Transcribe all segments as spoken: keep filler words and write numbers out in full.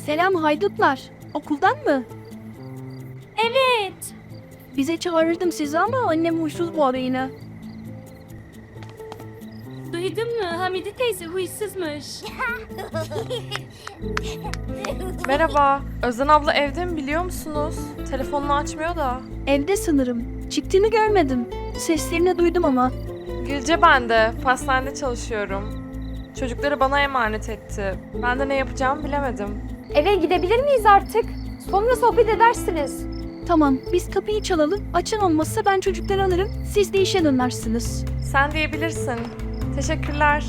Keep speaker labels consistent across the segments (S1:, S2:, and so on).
S1: Selam haydutlar. Okuldan mı?
S2: Evet.
S1: Bize çağırırdım sizi ama annem huysuz bu ara yine.
S2: Duydun mu? Hamide teyze huysuzmuş.
S3: Merhaba. Özden abla evde mi biliyor musunuz? Telefonunu açmıyor da.
S1: Evde sanırım. Çıktığını görmedim. Seslerini duydum ama.
S3: Gülce ben de. Pastanede çalışıyorum. Çocukları bana emanet etti. Ben de ne yapacağımı bilemedim.
S4: Eve gidebilir miyiz artık? Sonra sohbet edersiniz.
S1: Tamam, biz kapıyı çalalım. Açan olmazsa ben çocukları alırım. Siz de işe dönersiniz.
S3: Sen diyebilirsin. Teşekkürler.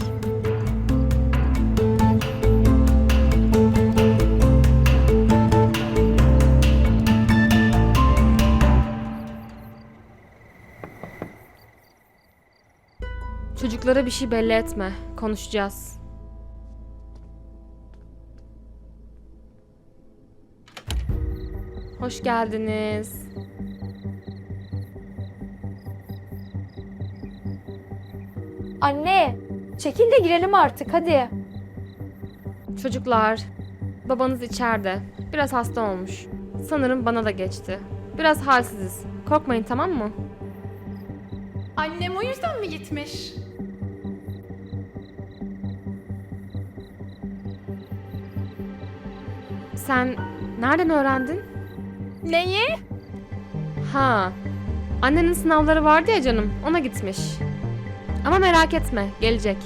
S5: Çocuklara bir şey belli etme. Konuşacağız. Hoş geldiniz.
S4: Anne, çekil de girelim artık hadi.
S5: Çocuklar, babanız içeride. Biraz hasta olmuş. Sanırım bana da geçti. Biraz halsiziz. Korkmayın, tamam mı?
S6: Annem o yüzden mi gitmiş?
S5: Sen nereden öğrendin?
S6: Neyi?
S5: Ha, annenin sınavları vardı ya canım, ona gitmiş. Ama merak etme, gelecek.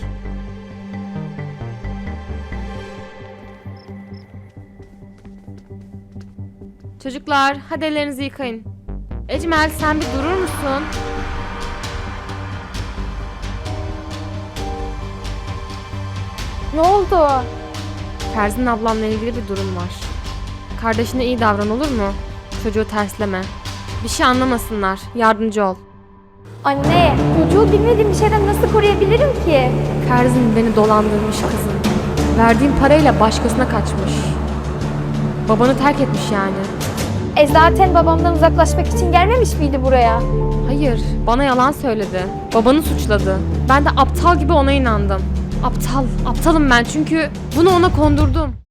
S5: Çocuklar, hadi ellerinizi yıkayın. Ecmel, sen bir durur musun?
S4: Ne oldu?
S5: Ferzin ablamla ilgili bir durum var. Kardeşine iyi davran, olur mu? Çocuğu tersleme. Bir şey anlamasınlar, yardımcı ol.
S4: Anne, çocuğu bilmediğim bir şeyden nasıl koruyabilirim ki?
S5: Ferzin beni dolandırmış kızım. Verdiğim parayla başkasına kaçmış. Babanı terk etmiş yani.
S4: E zaten babamdan uzaklaşmak için gelmemiş miydi buraya?
S5: Hayır, bana yalan söyledi. Babanı suçladı. Ben de aptal gibi ona inandım. Aptal, aptalım ben çünkü bunu ona kondurdum.